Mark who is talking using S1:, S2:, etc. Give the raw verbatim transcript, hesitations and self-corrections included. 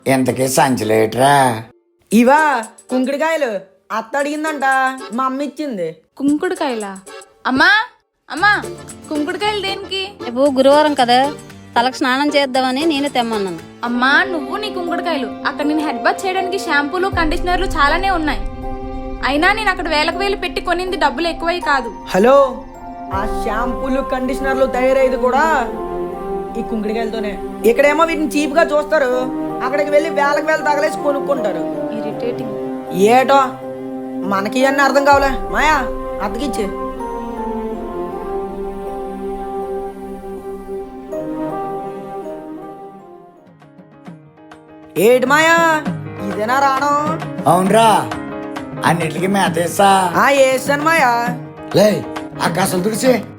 S1: ఇంతకీ సంచలేట్రా?
S2: ఇవా కుంకుడికాయలు అత్త అడిగిందంట, మా అమ్మ ఇచ్చింది.
S3: కుంకుడుకాయలా? అమ్మా అమ్మా కుంకుడుకాయలు దేనికి?
S4: రేపు గురువారం కదా, తలకు స్నానం చేద్దామని నేను తెమ్మన్నాను.
S3: అమ్మా నువ్వు నీ కుంకుడుకాయలు, అక్కడ నేను హెడ్ బాత్ చేయడానికి షాంపూలు కండిషనర్లు చాలానే ఉన్నాయి. అయినా నేను అక్కడ వేలకు వేలు పెట్టి కొనింది డబ్బులు ఎక్కువై కాదు.
S2: హలో, ఆ షాంపూలు కండిషనర్లు తయారయ్యేది కూడా ఈ కుంకుడికాయలతోనే. ఇక్కడేమో వీటిని చీప్ గా చూస్తారు, అక్కడికి వెళ్ళి వేలకు వేలు తగలేసి కొనుక్కుంటారు.
S3: ఇరిటేటింగ్.
S2: ఏటో మనకి అన్నీ అర్థం కావాలే. మాయా అతకిచ్చే. ఏటి మాయా, ఇదేనా రావడం?
S1: అవునరా, అన్నిటికీ మేతేసా.
S2: ఆ వేసాను మాయా.
S1: లే ఆకాశం తుడిచి